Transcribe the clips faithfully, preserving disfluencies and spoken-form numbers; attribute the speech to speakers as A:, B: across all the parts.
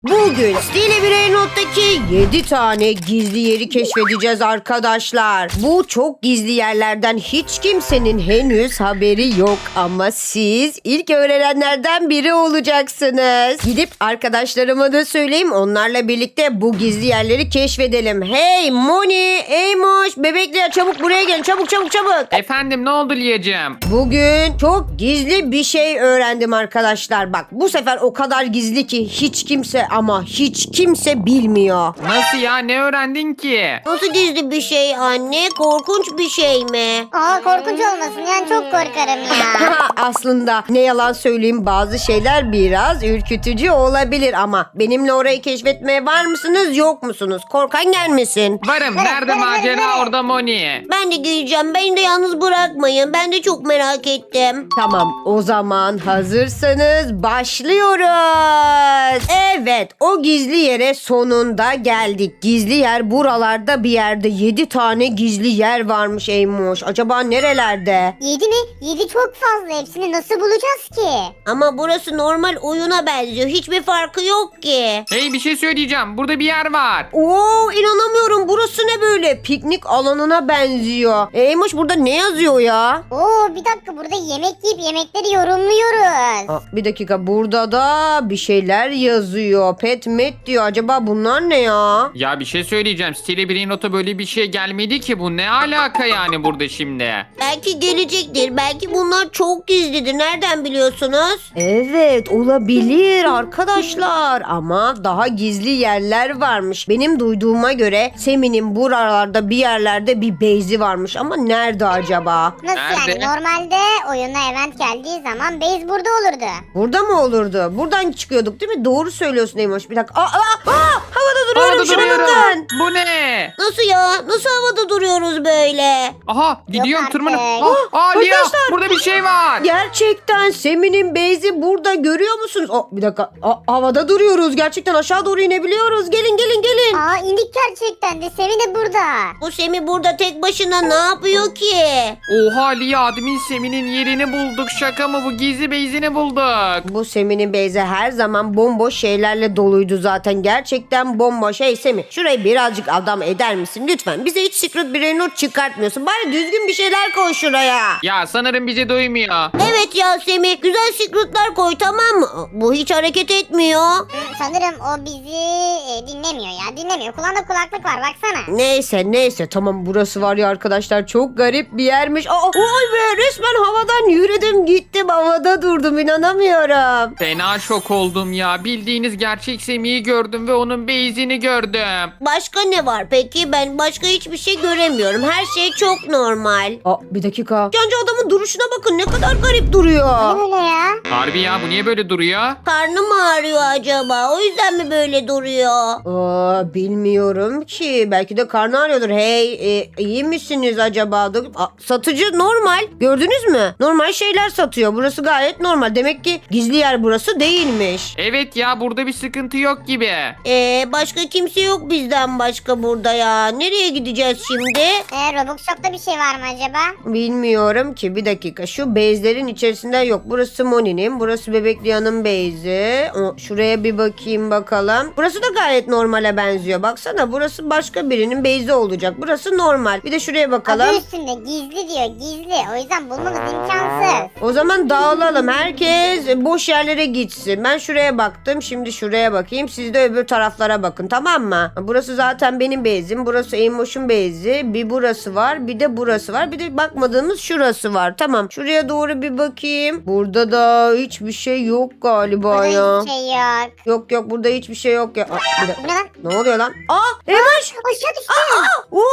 A: Bugün Stile Birey Not'taki yedi tane gizli yeri keşfedeceğiz arkadaşlar. Bu çok gizli yerlerden hiç kimsenin henüz haberi yok ama siz ilk öğrenenlerden biri olacaksınız. Gidip arkadaşlarıma da söyleyeyim, onlarla birlikte bu gizli yerleri keşfedelim. Hey Moni, Eymoş, bebekler çabuk buraya gelin, çabuk çabuk çabuk.
B: Efendim ne oldu Liyacığım?
A: Bugün çok gizli bir şey öğrendim arkadaşlar. Bak bu sefer o kadar gizli ki hiç kimse ama hiç kimse bilmiyor.
B: Nasıl ya, ne öğrendin ki?
A: Nasıl gizli bir şey anne? Korkunç bir şey mi?
C: Aa korkunç olmasın yani çok korkarım ya.
A: Aslında ne yalan söyleyeyim, bazı şeyler biraz ürkütücü olabilir ama benimle orayı keşfetmeye var mısınız yok musunuz? Korkan gelmesin.
B: Varım. Nerede
C: evet,
B: macera,
C: evet.
B: orada Moni.
A: Ben de geleceğim. Beni de yalnız bırakmayın. Ben de çok merak ettim. Tamam, o zaman hazırsanız başlıyoruz. Evet, o gizli yere sonunda geldik. Gizli yer buralarda bir yerde. Yedi tane gizli yer varmış Eymoş. Acaba nerelerde?
C: Yedi mi? Yedi çok fazla. Hepsini nasıl bulacağız ki?
A: Ama burası normal oyuna benziyor. Hiçbir farkı yok ki.
B: Hey, bir şey söyleyeceğim. Burada bir yer var.
A: Oo, inanamıyorum. Burası ne böyle? Piknik alanına benziyor. Eymoş, burada ne yazıyor ya?
C: Oo bir dakika burada yemek yiyip yemekleri yorumluyoruz.
A: Aa, bir dakika, burada da bir şeyler yazıyor. Pet met diyor. Acaba bunlar ne ya?
B: Ya bir şey söyleyeceğim. Stile Birey Not'a böyle bir şey gelmedi ki. Bu ne alaka yani burada şimdi?
A: Belki gelecektir. Belki bunlar çok gizlidir. Nereden biliyorsunuz? Evet, olabilir arkadaşlar. Ama daha gizli yerler varmış. Benim duyduğuma göre Semi'nin buralarda bir yerlerde bir base'i varmış. Ama nerede acaba?
C: Nasıl
B: Nerede?
C: yani? Normalde oyuna event geldiği zaman base burada olurdu.
A: Burada mı olurdu? Buradan çıkıyorduk değil mi? Doğru söylüyorsun Eymoş. Bir dakika. Aa, aa, aa, havada duruyorum.
B: Orada
A: Şuna
B: duruyorum.
A: bakın.
B: Bu ne?
A: Nasıl ya? Nasıl havada duruyoruz böyle?
B: Aha, gidiyorum
C: artık.
B: tırmanıp.
C: Oh,
B: Ah, aa, Liya,
A: arkadaşlar.
B: burada bir şey var.
A: Gerçekten Semi'nin base'i burada, görüyor musunuz? Oh, bir dakika. Aa, havada duruyoruz. Gerçekten aşağı doğru inebiliyoruz. Gelin gelin gelin.
C: Aa indik gerçekten de. Semi de burada.
A: Bu Semi burada tek başına ne yapıyor ki?
B: Oha Liya, admin Semi'nin yerini bulduk. Şaka mı bu? Gizli base'ini bulduk.
A: Bu Semi'nin base'i her zaman bomboş şeylerle doluydu zaten. Gerçekten bomboş. Hey Semi, şurayı birazcık adam eder misin? Lütfen. Bize hiç secret bir not çıkartmıyorsun. Bari düzgün bir şeyler koy şuraya.
B: Ya sanırım bizi duymuyor.
A: Evet ya Semi, güzel secretler koy, tamam mı? Bu hiç hareket etmiyor.
C: Hı, sanırım o bizi e, dinlemiyor ya. Dinlemiyor. Kulağında kulaklık var baksana.
A: Neyse neyse, tamam, burası var ya arkadaşlar, çok garip bir yermiş. Aa, vay be, resmen havadan yürüdüm gittim, havada durdum, inanamıyorum.
B: Fena şok oldum ya. Bildiğiniz gerçek Semi'yi gördüm ve onun base'ini gördüm.
A: Başka ne var peki? Ben başka hiçbir şey göremiyorum. Her şey çok normal. Aa, bir dakika. Yancı adamın duruşuna bakın, ne kadar garip duruyor.
C: Ne öyle ya?
B: Harbi ya, bu niye böyle duruyor?
A: Karnı mı ağrıyor acaba? O yüzden mi böyle duruyor? Aa, bilmiyorum ki. Belki de karnı ağrıyordur. Hey, e, iyi misiniz acaba? Aa, satıcı normal. Gördünüz mü? Normal şeyler satıyor. Burası gayet normal. Demek ki gizli yer burası değilmiş.
B: Evet ya, burada bir sıkıntı yok gibi.
A: Ee, başka kimse yok bizden başka burada ya. Nereye gideceğiz şimdi?
C: E, Robux Shop'ta bir şey var mı acaba?
A: Bilmiyorum ki. Bir dakika. Şu base'lerin içerisinde yok. Burası Moni'nin. Burası Bebekliyan'ın base'i. O, şuraya bir bakayım bakalım. Burası da gayet normale benziyor. Baksana, burası başka birinin base'i olacak. Burası normal. Bir de şuraya bakalım.
C: Adı üstünde gizli diyor gizli. O yüzden bulmamız imkansız.
A: O zaman dağılalım. Herkes boş yerlere gitsin. Ben şuraya baktım. Şimdi şuraya bakayım. Siz de öbür taraflara bakın, tamam mı? Burası zaten benim base'im. Burası Eymoş'un base'i. Bir burası var. Bir de burası var. Bir de bakmadığımız şurası var. Tamam. Şuraya doğru bir bakayım. Burada da hiçbir şey yok galiba
C: Burada
A: ya.
C: hiçbir şey yok.
A: Yok yok, burada hiçbir şey yok ya. Aa, bir dakika.
C: Bu ne lan?
A: Ne oluyor lan? Aa, Eymoş.
C: Aşağı düştü.
A: Oo,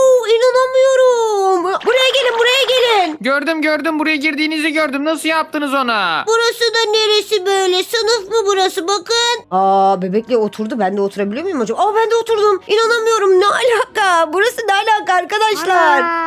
A: inanamıyorum. Buraya gelin, buraya gelin.
B: Gördüm gördüm, buraya girdiğinizi gördüm. Nasıl yaptınız ona?
A: Burası da neresi böyle? Sınıf mı burası? Bakın. Aa, bebekle oturdu. Ben de oturabiliyor muyum acaba? Aa, ben de oturdum. İnanamıyorum. Ne alaka? Burası ne alaka arkadaşlar?
C: Ana.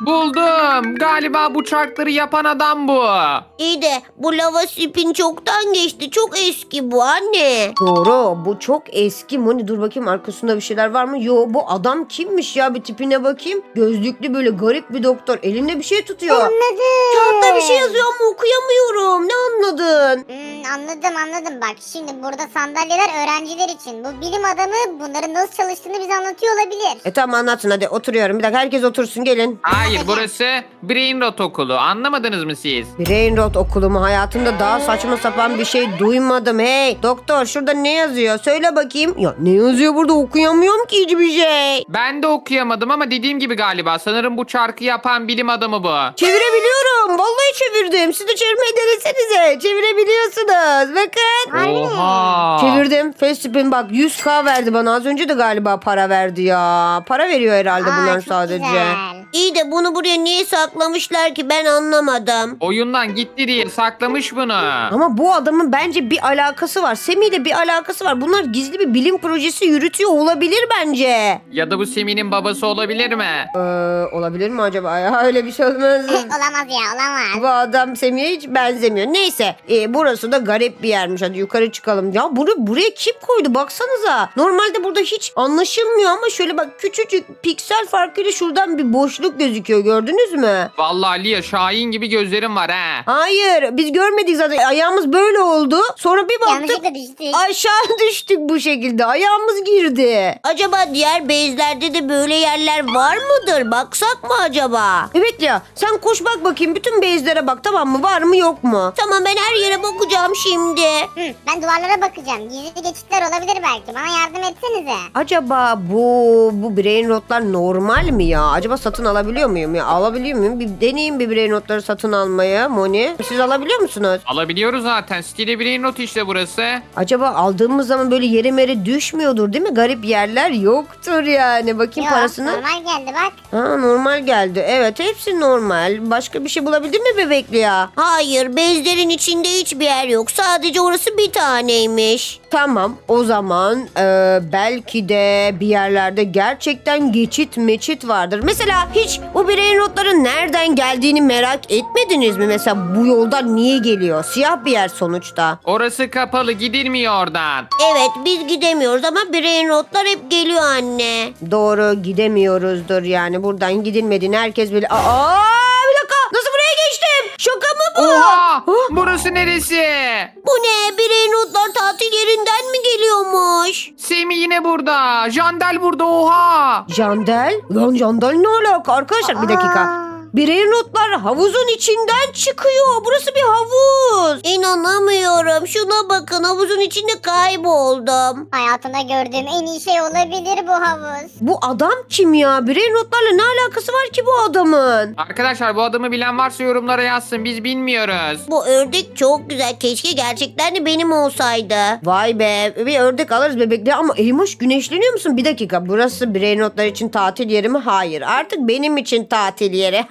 B: Buldum. Galiba bu çarkları yapan adam bu.
D: İyi de bu lava spin çoktan geçti. Çok eski bu anne.
A: Doğru, bu çok eski. Moni dur bakayım arkasında bir şeyler var mı? Yo, bu adam kimmiş ya, bir tipine bakayım. Gözlüklü böyle garip bir doktor. Elinde bir şey tutuyor.
C: Anladım.
A: Kağıtta bir şey yazıyor ama okuyamıyorum. Ne anladın?
C: Hmm, anladım anladım bak şimdi burada sandalyeler öğrenciler için. Bu bilim adamı bunların nasıl çalıştığını bize anlatıyor olabilir.
A: E tamam anlatın hadi, oturuyorum. Bir dakika herkes otursun, gelin.
B: Hayır, burası Brain Rot okulu. Anlamadınız mı siz?
A: Brain Rot okulu mu? Hayatımda daha saçma sapan bir şey duymadım. Hey doktor, şurada ne yazıyor? Söyle bakayım. Ya ne yazıyor burada, okuyamıyorum ki hiçbir şey.
B: Ben de okuyamadım ama dediğim gibi galiba. Sanırım bu çarkı yapan bilim adamı bu.
A: Çevirebiliyorum. Vallahi çevirdim. Siz de çevirmeyi denesenize. Çevirebiliyorsunuz. Bakın.
B: Oha.
A: Çevirdim. Fastip'in bak yüz K verdi bana. Az önce de galiba para verdi ya. Para veriyor herhalde
C: Aa,
A: bunlar
C: çok
A: sadece.
C: güzel.
D: İyi de bunu buraya niye saklamışlar ki ben anlamadım.
B: Oyundan gitti diye saklamış bunu.
A: Ama bu adamın bence bir alakası var. Semih ile bir alakası var. Bunlar gizli bir bilim projesi yürütüyor olabilir bence.
B: Ya da bu Semih'in babası olabilir mi?
A: Ee, olabilir mi acaba ya? Öyle bir şey olmaz.
C: Olamaz ya olamaz.
A: Bu adam Semih'e hiç benzemiyor. Neyse e, burası da garip bir yermiş. Hadi yukarı çıkalım. Ya bunu buraya kim koydu baksanıza. Normalde burada hiç anlaşılmıyor ama şöyle bak küçücük piksel farkıyla şuradan bir boşluk gözüküyor. Gördünüz mü?
B: Vallahi Lia, Şahin gibi gözlerim var ha.
A: Hayır biz görmedik zaten. Ayağımız böyle oldu. Sonra bir baktık
C: Yanlışlıkla düştük.
A: aşağı düştük bu şekilde. Ayağımız girdi.
D: Acaba diğer base'lerde de böyle yerler var mıdır? Baksak mı acaba?
A: Evet ya sen koş bak bakayım. Bütün base'lere bak tamam mı? Var mı yok mu?
D: Tamam ben her yere bakacağım şimdi.
C: Hı, ben duvarlara bakacağım. Gizli geçitler olabilir belki. Bana yardım etsenize.
A: Acaba bu bu brain rotlar normal mi ya? Acaba satın alabiliyor muyum ya? Alabiliyor muyum? Bir deneyeyim bir brain rotları satın almaya Moni. Siz alabiliyor musunuz?
B: Alabiliyoruz zaten. Stili Brain Rot işte burası.
A: Acaba aldığımız zaman böyle yere mere düşmüyordur değil mi? Garip yerler yoktur yani. Bakayım
C: Yok,
A: parasını.
C: normal geldi bak.
A: Ha normal geldi. Evet hepsi normal. Başka bir şey bulabildin mi bebekli ya?
D: Hayır base'lerin içinde hiçbir yer yok. Sadece orası bir taneymiş.
A: Tamam o zaman e, belki de bir yerlerde gerçekten geçit meçit vardır. Mesela hiç bu brain rotların nereden geldiğini merak etmediniz mi? Mesela bu yoldan niye geliyor? Siyah bir yer sonuçta.
B: Orası kapalı, gidilmiyor oradan.
D: Evet biz gidemiyoruz ama brain rotlar hep geliyor anne.
A: Doğru gidemiyoruzdur yani. Buradan gidilmediğini herkes bilir. Aa bir dakika nasıl buraya geçtim? Şaka mı bu?
B: Oha! Burası neresi?
D: Bu ne? Brain rotlar tatil yerinden mi geliyormuş?
B: Semih yine burada. Jandel burada, oha!
A: Jandel? Lan Jandel ne alaka? Arkadaşlar bir dakika.
C: Aa.
A: Brain rotlar havuzun içinden çıkıyor. Burası bir havuz.
D: İnanamıyorum. Şuna bakın havuzun içinde kayboldum.
C: Hayatımda gördüğüm en iyi şey olabilir bu havuz.
A: Bu adam kim ya? Brain rotlarla ne alakası var ki bu adamın?
B: Arkadaşlar bu adamı bilen varsa yorumlara yazsın. Biz bilmiyoruz.
D: Bu ördek çok güzel. Keşke gerçekten de benim olsaydı.
A: Vay be bir ördek alırız bebekle ama Eymoş güneşleniyor musun? Bir dakika burası brain rotlar için tatil yeri mi? Hayır artık benim için tatil yeri.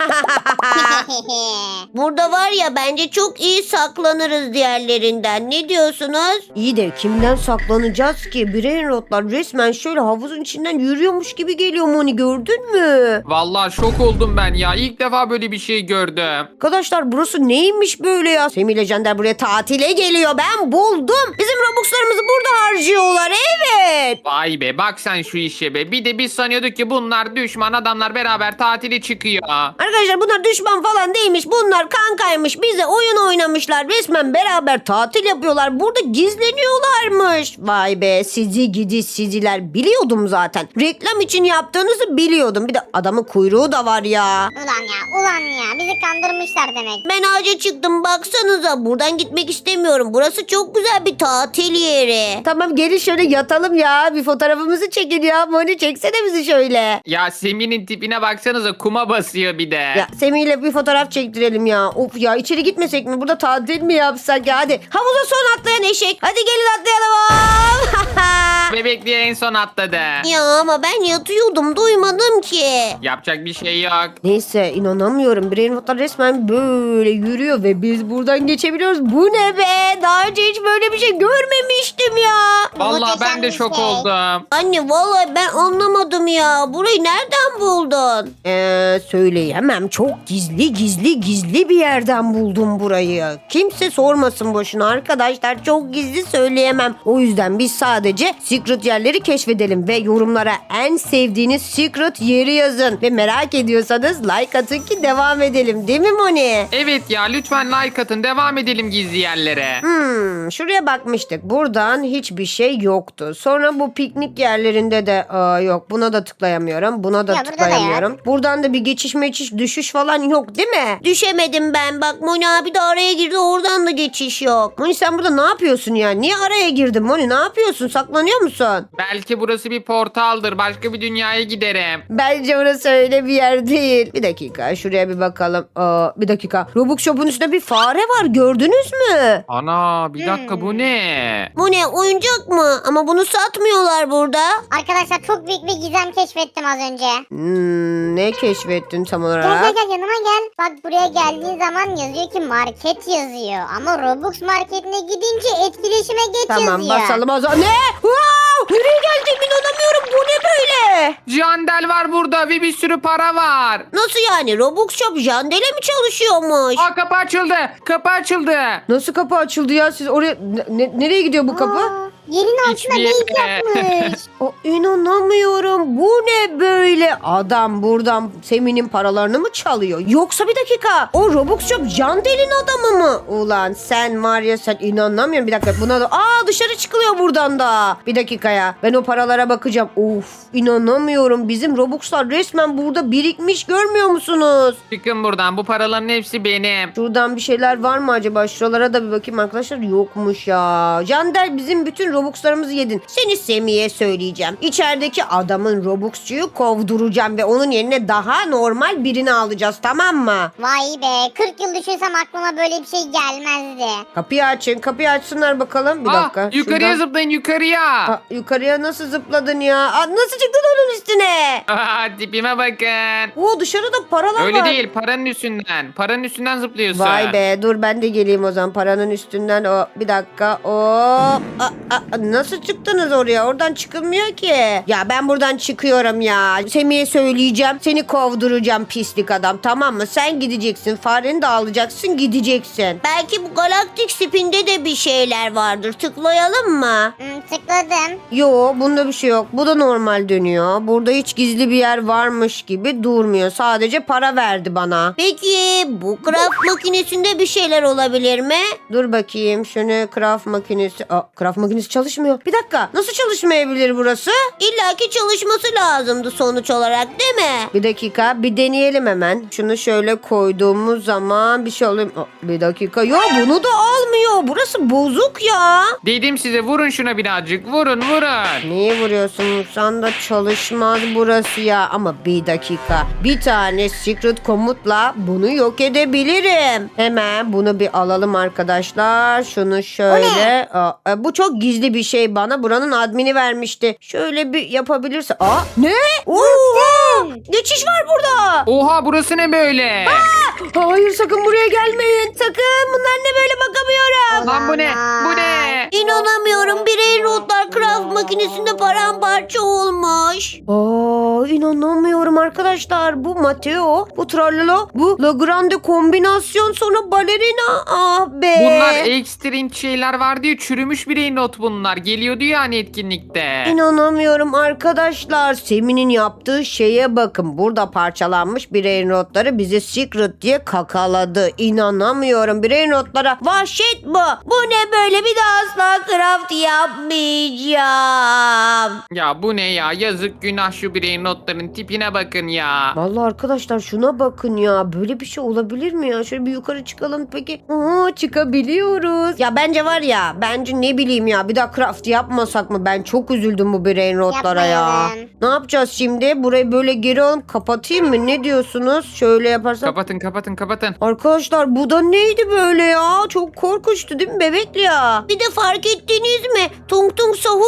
D: Burada var ya bence çok iyi saklanırız diğerlerinden. Ne diyorsunuz?
A: İyi de kimden saklanacağız ki? Brain rotlar resmen şöyle havuzun içinden yürüyormuş gibi geliyor Moni gördün mü?
B: Vallahi şok oldum ben ya. İlk defa böyle bir şey gördüm.
A: Arkadaşlar burası neymiş böyle ya? Semih ile Cender buraya tatile geliyor. Ben buldum. Bizim Robux'larımızı burada harcıyorlar. Evet.
B: Vay be, bak sen şu işe be. Bir de biz sanıyorduk ki bunlar düşman adamlar beraber tatile çıkıyor.
A: Arkadaşlar bunlar düşman falan değilmiş. Bunlar kankaymış. Bize oyun oynamışlar. Resmen beraber tatil yapıyorlar. Burada gizleniyorlarmış. Vay be sizi gidi siziler. Biliyordum zaten. Reklam için yaptığınızı biliyordum. Bir de adamın kuyruğu da var ya.
C: Ulan ya ulan ya bizi kandırmışlar demek.
D: Ben ağaca çıktım baksanıza. Buradan gitmek istemiyorum. Burası çok güzel bir tatil yeri.
A: Tamam gelin şöyle yatalım ya. Bir fotoğrafımızı çekin ya. Moni çeksene bizi şöyle.
B: Ya Semih'in tipine baksanıza, kuma basıyor bir de.
A: Ya Semih ile bir fotoğraf çektirelim ya. Of ya içeri gitmesek mi? Burada tatil mi yapsak ya? Hadi havuza son atlayan eşek. Hadi gelin atlayalım.
B: bebek diye en son atladı.
D: Ya ama ben yatıyordum duymadım ki.
B: Yapacak bir şey yok.
A: Neyse inanamıyorum. Brain rotlar resmen böyle yürüyor ve biz buradan geçebiliyoruz. Bu ne be? Daha önce hiç böyle bir şey görmemiştim ya.
B: Vallahi
C: Muhteşem
B: ben de
C: bir
B: şok
C: şey.
B: oldum.
D: Anne vallahi ben anlamadım ya. Burayı nereden buldun?
A: Ee, söyleyemem. Çok gizli gizli gizli bir yerden buldum burayı. Kimse sormasın boşuna arkadaşlar. Çok gizli söyleyemem. O yüzden biz sadece secret yerleri keşfedelim ve yorumlara en sevdiğiniz secret yeri yazın. Ve merak ediyorsanız like atın ki devam edelim. Değil mi Moni?
B: Evet ya lütfen like atın devam edelim gizli yerlere.
A: Hmm, şuraya bakmıştık. Buradan hiçbir şey yoktu. Sonra bu piknik yerlerinde de aa, yok. Buna da tıklayamıyorum. Buna da
C: Ya burada da
A: tıklayamıyorum. Buradan da bir geçiş meçiş düşüş falan yok değil mi?
D: Düşemedim ben. Bak Moni abi de araya girdi. Oradan da geçiş yok.
A: Moni sen burada ne yapıyorsun ya? Niye araya girdin Moni? Ne yapıyorsun? Saklanıyor musun?
B: Belki burası bir portaldır. Başka bir dünyaya giderim.
A: Bence orası öyle bir yer değil. Bir dakika şuraya bir bakalım. Aa, bir dakika. Robux Shop'un üstünde bir fare var. Gördünüz mü?
B: Ana bir dakika
C: Hmm.
B: bu ne?
D: Bu ne oyuncak mı? Ama bunu satmıyorlar burada.
C: Arkadaşlar çok büyük bir gizem keşfettim az önce.
A: Hmm, ne keşfettin tam
C: Gel gel
A: olarak?
C: gel yanıma gel. Bak buraya geldiğin zaman yazıyor ki market yazıyor. Ama Robux marketine gidince etkileşime geç
A: Tamam
C: yazıyor.
A: basalım o zaman. Ne? Wow! Nereye geldim inanamıyorum. Bu ne böyle?
B: Jandel var burada ve bir sürü para var.
D: Nasıl yani? Robux Shop Jandele mi çalışıyormuş?
B: Aa kapı açıldı. Kapı açıldı.
A: Nasıl kapı açıldı ya? Siz oraya ne- ne- nereye gidiyor bu kapı?
C: Aa, yerin altına
B: Hiçbir
C: beyit
B: yere.
C: yapmış.
A: O, inanamıyorum. Bu ne böyle? Adam buradan Semin'in paralarını mı çalıyor? Yoksa bir dakika. O Robux Shop Jandel'in adamı mı? Ulan sen var ya sen inanamıyorum. Bir dakika buna da... Aa dışarı çıkılıyor buradan da. Bir dakika ya. Ben o paralara bakacağım. Of inanamıyorum. Bizim Robux'lar resmen burada birikmiş. Görmüyor musunuz?
B: Çıkın buradan bu paraların hepsi benim.
A: Şuradan bir şeyler var mı acaba? Şuralara da bir bakayım arkadaşlar. Yokmuş ya. Jandel bizim bütün Robux'larımızı yedin. Seni Semih'e söyleyeceğim. İçerideki adamın Robux'cuyu kovduracağım ve onun yerine daha normal birini alacağız tamam mı?
C: Vay be kırk yıl düşünsem aklıma böyle bir şey gelmezdi.
A: Kapıyı açın. Kapıyı açsınlar bakalım. Bir
B: Aa,
A: dakika.
B: yukarıya
A: Şuradan-
B: zıplayın yukarıya.
A: Aa, yukarıya nasıl zıpladın ya? Aa, nasıl çıktın onun üstüne?
B: Aa, tipime bakın.
A: Oo dışarıda paralar
B: Öyle
A: var.
B: değil paranın üstünden. Paranın üstünden zıplıyorsun.
A: Vay be dur ben de geleyim o zaman paranın üstünden o bir dakika o nasıl çıktınız oraya oradan çıkılmıyor ki ya ben buradan çıkıyorum ya Semih'e söyleyeceğim seni kovduracağım pislik adam tamam mı sen gideceksin fareni de alacaksın gideceksin.
D: Belki bu galaktik spinde de bir şeyler vardır. Tıklayalım mı?
C: Hmm, tıkladım.
A: Yo bunda bir şey yok bu da normal dönüyor burada hiç gizli bir yer varmış gibi durmuyor sadece para verdi bana.
D: Peki bu craft makinesinde bir şeyler olabilir mi?
A: Dur bakayım şunu craft makinesi. Aa, craft makinesi çalışmıyor. Bir dakika nasıl çalışmayabilir burası?
D: İlla ki çalışması lazımdı sonuç olarak değil mi?
A: Bir dakika bir deneyelim hemen. Şunu şöyle koyduğumuz zaman bir şey oluyor. Aa, bir dakika yok bunu da almıyor. Burası bozuk ya.
B: Dedim size vurun şuna birazcık. Vurun vurun.
A: Niye vuruyorsun? Sen de çalışmaz burası ya. Ama bir dakika. Bir tane secret komutla bunu yok edebilirim. Hemen bunu bir alalım arkadaşlar. Şunu şöyle. Aa, e, bu çok gizli bir şey bana. Buranın admini vermişti. Şöyle bir yapabilirse. Aa ne? Oha! Geçiş var burada.
B: Oha burası ne böyle?
A: Hayır sakın buraya gelmeyin. Sakın bunlar ne böyle bakamıyorum.
B: Lan bu ne? Bu ne?
D: İnanamıyorum. Birey notlar craft makinesinde paramparça olmuş.
A: Aa inanamıyorum arkadaşlar. Bu Mateo, bu Tralala, bu La Grande kombinasyon sonra balerina. Ah be.
B: Bunlar ekstrem şeyler vardı ya çürümüş birey not bunlar. Geliyordu ya hani etkinlikte.
A: İnanamıyorum arkadaşlar. Semin'in yaptığı şeye bakın. Burada parçalanmış birey notları bize secret diye kakaladı. İnanamıyorum. Birey notlara vahşet bu. Bu ne böyle bir daha asla craft yapmayacağım.
B: Ya bu ne ya? Yazık günah şu birey notların tipine bakın ya.
A: Vallahi arkadaşlar şuna bakın ya. Böyle bir şey olabilir mi ya? Şöyle bir yukarı çıkalım peki. Aa, çıkabiliyoruz. Ya bence var ya. Bence ne bileyim ya. Bir daha craft yapmasak mı? Ben çok üzüldüm bu brain rotlara ya.
C: Yapmayalım.
A: Ne yapacağız şimdi? Burayı böyle geri alıp kapatayım mı? Ne diyorsunuz? Şöyle yaparsam.
B: Kapatın kapatın kapatın.
A: Arkadaşlar bu da neydi böyle ya? Çok korkunçtu değil mi bebekli ya?
D: Bir de fark ettiniz mi? Tung tung sahur yürüyor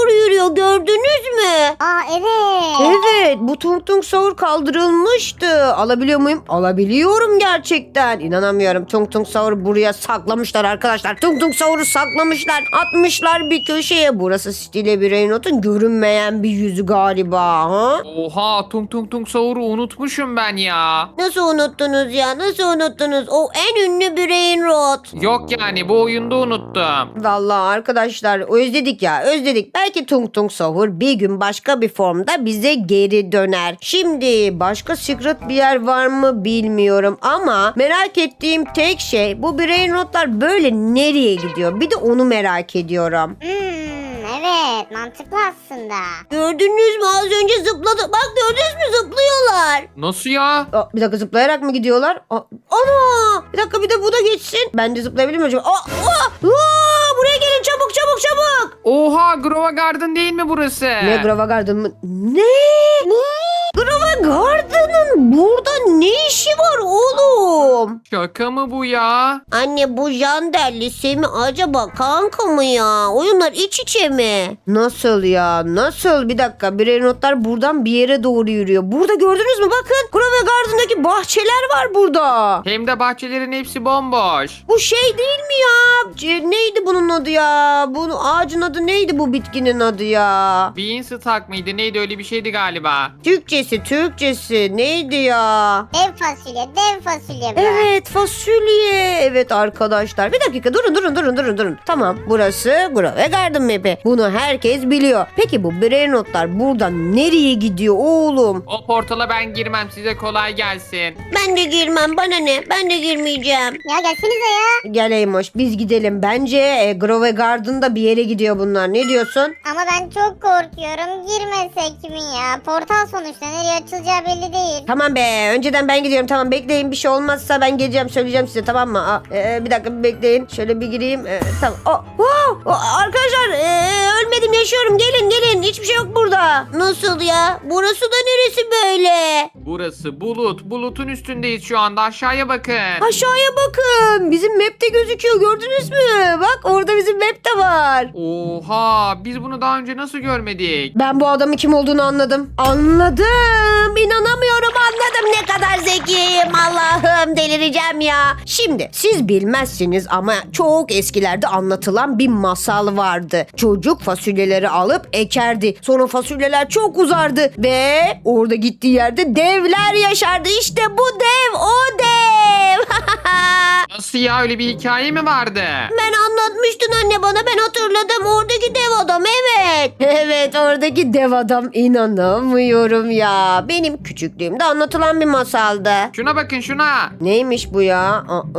D: gidiyor, gördünüz mü?
C: Aa evet.
A: Evet, bu Tung Tung Sahur kaldırılmıştı. Alabiliyor muyum? Alabiliyorum gerçekten. İnanamıyorum. Tung Tung Sahur'u buraya saklamışlar arkadaşlar. Tung Tung Sahur'u saklamışlar. Atmışlar bir köşeye. Burası Stile Brainot'un görünmeyen bir yüzü galiba. Ha?
B: Oha, tung tung tung sahuru unutmuşum ben ya.
D: Nasıl unuttunuz ya? Nasıl unuttunuz? O en ünlü Brain Rot.
B: Yok yani, bu oyunda unuttum.
A: Vallahi arkadaşlar özledik ya özledik. Belki Tung Tung Sahur bir gün başka bir formda bize geri döner. Şimdi başka secret bir yer var mı bilmiyorum ama merak ettiğim tek şey bu brain rotlar böyle nereye gidiyor? Bir de onu merak ediyorum.
C: Hmm, evet mantıklı aslında.
D: Gördünüz mü? Az önce zıpladı. Bak gördünüz mü? Zıplıyorlar.
B: Nasıl ya?
A: Aa, bir dakika zıplayarak mı gidiyorlar? Aa, ana! Bir dakika bir de bu da geçsin. Ben de zıplayabilir miyim acaba? Aa, aa, aa, buraya gelin çabuk çabuk çabuk.
B: Oha, Grova Garden değil mi burası?
A: Ne Grova Garden mı? Ne? Ne? Grova Garden'ın burada ne işi var oğlum?
B: Şaka mı bu ya?
D: Anne bu Jandelli Semi acaba kanka mı ya? Oyunlar iç içe mi?
A: Nasıl ya? Nasıl? Bir dakika. Brain rotlar buradan bir yere doğru yürüyor. Burada gördünüz mü? Bakın. Grova Garden'daki bahçeler var burada.
B: Hem de bahçelerin hepsi bomboş.
A: Bu şey değil mi ya? C- neydi bunun adı ya? Bu ağacın adı neydi, bu bitkinin adı ya?
B: Beanstalk mıydı? Neydi, öyle bir şeydi galiba.
A: Türkçesi, Türkçesi neydi ya?
C: Dev fasulye, dev fasulye bu.
A: Evet, fasulye. Evet arkadaşlar. Bir dakika durun durun durun durun durun. Tamam, burası Grove Garden Map'i. Bunu herkes biliyor. Peki bu brain rotlar buradan nereye gidiyor oğlum?
B: O portala ben girmem, size kolay gelsin.
D: Ben de girmem. Bana ne? Ben de girmeyeceğim.
C: Ya gelsenize ya.
A: Gel Eymoş, biz gidelim. Bence e, Grove Garden'da bir yere gidiyor bunlar. Ne diyorsun?
C: Ama ben çok korkuyorum. Girmesek mi ya? Portal sonuçta nereye açılacağı belli değil.
A: Tamam be. Önceden ben gidiyorum. Tamam bekleyin. Bir şey olmazsa ben geleceğim. Söyleyeceğim size, tamam mı? Aa, e, bir dakika bir bekleyin. Şöyle bir gireyim. E, tamam. Aa, wow! Aa, arkadaşlar e, ölmedim, yaşıyorum. Gelin gelin. Hiçbir şey yok burada.
D: Nasıl ya? Burası da neresi böyle?
B: Burası bulut. Bulutun üstündeyiz şu anda. Aşağıya bakın.
A: Aşağıya bakın. Bizim map'te gözüküyor. Gördünüz mü? Bak orada bizim map de var.
B: Oha, biz bunu daha önce nasıl görmedik?
A: Ben bu adamın kim olduğunu anladım. Anladım. İnanamıyorum, anladım. Ne kadar zekiyim. Allah'ım, delireceğim ya. Şimdi siz bilmezsiniz ama çok eskilerde anlatılan bir masal vardı. Çocuk fasulyeleri alıp ekerdi. Sonra fasulyeler çok uzardı ve orada gittiği yerde devler yaşardı. İşte bu dev, o dev.
B: Nasıl ya, öyle bir hikaye mi vardı?
D: Ben anlatmıştın anne bana. Ben hatırladım. Oradaki dev adam evet.
A: Evet, oradaki dev adam, inanamıyorum ya. Benim küçüklüğümde anlatılan bir masaldı.
B: Şuna bakın, şuna.
A: Neymiş bu ya? Aa, e,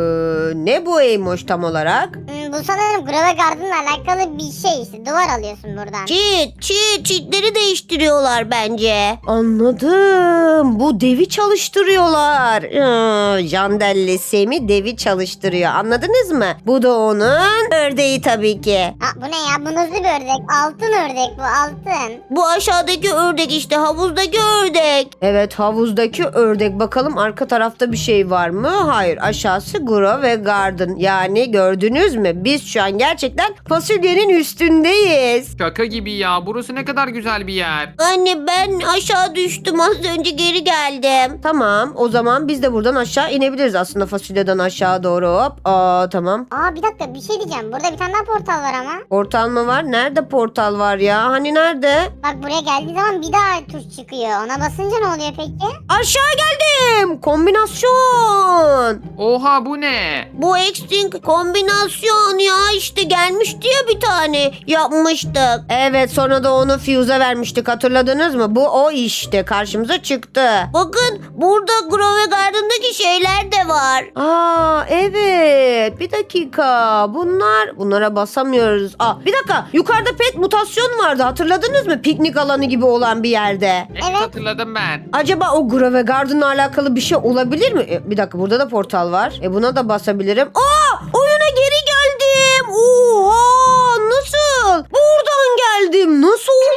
A: ne bu Eymoş tam olarak?
C: Hmm, bu sanırım Grove Garden'la alakalı bir şey işte. Duvar alıyorsun buradan.
D: Çit çit çitleri değiştiriyorlar bence.
A: Anladım. Bu devi çalıştırıyorlar. Ee, Jandelli Semi devi çalıştırıyor. Anladınız mı? Bu da onun ördeği tabii ki.
C: Ha, bu ne ya? Bu nasıl bir ördek? Altın ördek bu, altın.
D: Bu aşağıdaki ördek işte, havuzdaki ördek.
A: Evet, havuzdaki ördek. Bakalım arka tarafta bir şey var mı? Hayır. Aşağısı Grove Garden. Yani gördünüz mü? Biz şu an gerçekten fasulyenin üstündeyiz.
B: Şaka gibi ya. Burası ne kadar güzel bir yer.
D: Anne ben aşağı düştüm, az önce geri geldim.
A: Tamam. O zaman biz de buradan aşağı inebiliriz aslında, fasulyeden aşağı doğru. Hop. Aa, tamam.
C: Aa bir dakika, bir şey diyeceğim. Burada bir tane daha portal var ama.
A: Portal mı var? Nerede portal var ya? Hani nerede?
C: Bak buraya geldiği zaman bir daha tuş çıkıyor. Ona basınca ne oluyor peki?
A: Aşağı geldim. Kombinasyon.
B: Oha, bu ne?
D: Bu Extinct kombinasyon ya, işte gelmişti ya bir tane yapmıştık.
A: Evet, sonra da onu Fuse'a vermiştik, hatırladınız mı? Bu o işte karşımıza çıktı.
D: Bakın burada Grove Garden'daki şeyler de var.
A: Aa evet, bir dakika, bunlar bunlara basamıyoruz. Aa bir dakika, yukarıda pet mutasyon vardı, hatırladınız mı? Piknik alanı gibi olan bir yerde.
B: Evet,
C: Evet.
B: hatırladım ben.
A: Acaba o Grove Garden'la alakalı bir şey olabilir mi? E, bir dakika, burada da portal var. E buna da basabilirim. Aa oyuna geri geldim. Oha, nasıl? Buradan geldim. Nasıl oldu bu?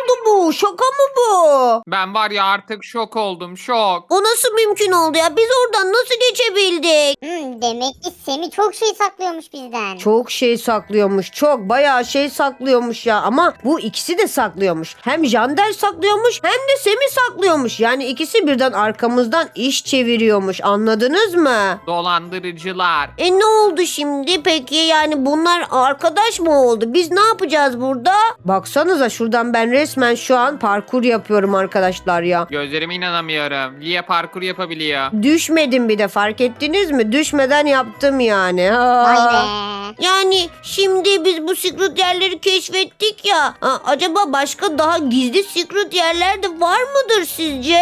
A: bu? Şaka mı bu?
B: Ben var ya artık şok oldum şok.
D: O nasıl mümkün oldu ya? Biz oradan nasıl geçebildik?
C: Hmm, demek ki Semih çok şey saklıyormuş bizden.
A: Çok şey saklıyormuş. Çok bayağı şey saklıyormuş ya. Ama bu ikisi de saklıyormuş. Hem Jandel saklıyormuş hem de Semih saklıyormuş. Yani ikisi birden arkamızdan iş çeviriyormuş. Anladınız mı?
B: Dolandırıcılar.
D: E ne oldu şimdi peki? Yani bunlar arkadaş mı oldu? Biz ne yapacağız burada?
A: Baksanıza şuradan ben resmen şu an parkur yapıyorum arkadaşlar ya.
B: Gözlerime inanamıyorum. Lia parkur yapabiliyor.
A: Düşmedim bir de, fark ettiniz mi? Düşmeden yaptım yani.
C: Vay
A: Ha.
C: be.
D: Yani şimdi biz bu secret yerleri keşfettik ya. Ha, acaba başka daha gizli secret yerler de var mıdır sizce?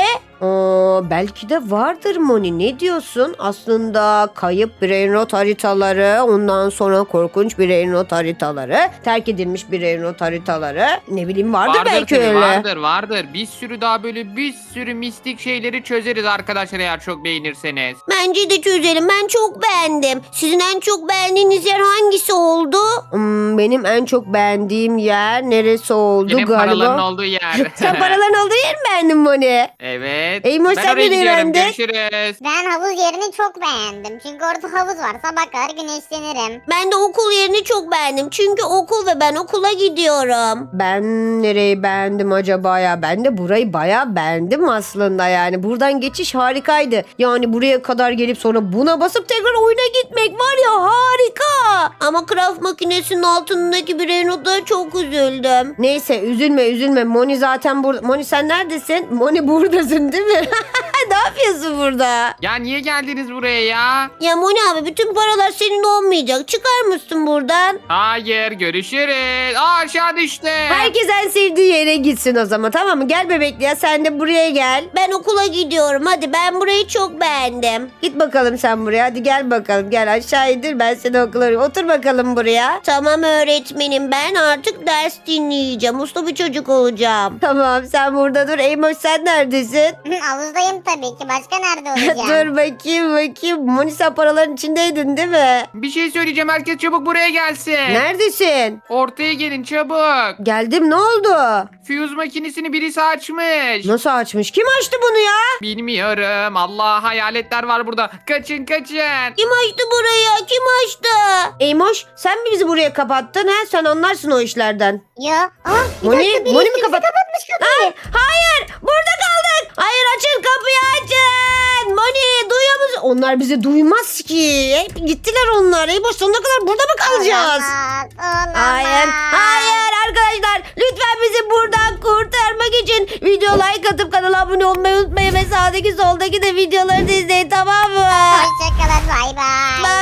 A: Aa, belki de vardır Moni. Ne diyorsun? Aslında kayıp brainrot haritaları, ondan sonra korkunç brainrot haritaları, terk edilmiş brainrot haritaları. Ne bileyim vardır, belki
B: tabii,
A: öyle.
B: Vardır vardır. Bir sürü daha böyle bir sürü mistik şeyleri çözeriz arkadaşlar eğer çok beğenirseniz.
D: Bence de çözelim. Ben çok beğendim. Sizin en çok beğendiğiniz yer hangisi oldu?
A: Hmm, benim en çok beğendiğim yer neresi oldu
B: Benim
A: galiba?
B: paraların olduğu yer.
A: Sen paraların olduğu yer mi beğendin Moni?
B: Evet.
A: Eymoş,
B: ben
A: sen
B: oraya
A: de
B: gidiyorum.
A: beğendin.
B: Görüşürüz.
C: Ben havuz yerini çok beğendim. Çünkü orada havuz var. Sabah kadar güneşlenirim.
D: Ben de okul yerini çok beğendim. Çünkü okul ve ben okula gidiyorum.
A: Ben nereyi beğendim acaba ya? Ben de burayı bayağı beğendim aslında yani. Buradan geçiş harikaydı. Yani buraya kadar gelip sonra buna basıp tekrar oyuna gitmek var ya, harika.
D: Ama craft makinesinin altındaki brainrotlara çok üzüldüm.
A: Neyse üzülme üzülme. Moni zaten burada. Moni sen neredesin? Moni buradasın değil mi? Ne yapıyorsun burada?
B: Ya niye geldiniz buraya ya?
D: Ya Moni abi bütün paralar senin olmayacak. Çıkar mısın buradan?
B: Hayır görüşürüz. Aa aşağı düştü.
A: Herkes en sevdiği yere gitsin o zaman, tamam mı? Gel bebekli ya, sen de buraya gel.
D: Ben okula gidiyorum. Hadi ben burayı çok beğendim.
A: Git bakalım sen buraya. Hadi gel bakalım. Gel aşağı indir, ben seni okula. Otur bakalım buraya.
D: Tamam öğretmenim ben artık ders dinleyeceğim. Uslu bir çocuk olacağım.
A: Tamam sen burada dur. Eymoş sen neredesin?
C: Havuzdayım tabii ki. Başka nerede olacağım?
A: Dur bakayım bakayım. Moni sen paraların içindeydin değil mi?
B: Bir şey söyleyeceğim. Herkes çabuk buraya gelsin.
A: Neredesin?
B: Ortaya gelin çabuk.
A: Geldim, ne oldu?
B: Fuse makinesini birisi açmış.
A: Nasıl açmış? Kim açtı bunu ya?
B: Bilmiyorum. Allah hayaletler var burada. Kaçın kaçın.
D: Kim açtı burayı? Kim açtı?
A: Eymoş sen mi bizi buraya kapattın ha? Sen anlarsın o işlerden.
C: Yo. Aa, bir
A: Moni,
C: dakika, biri
A: Moni mi
C: birisi
A: kapat?
C: kapatmış kapıyı.
A: Hayır, burada kaldık. Hayır, açın kapıyı, açın. Moni duyuyor musun? Onlar bizi duymaz ki. Hep gittiler onlar. Eymoş sonuna kadar burada mı kalacağız?
C: Olamaz, olamaz.
A: Hayır, hayır arkadaşlar. Lütfen bizi buradan kurtarmak için video like atıp kanala abone olmayı unutmayın. Ve sağdaki soldaki de videoları da izleyin, tamam mı?
C: Hoşçakalın, bay bay.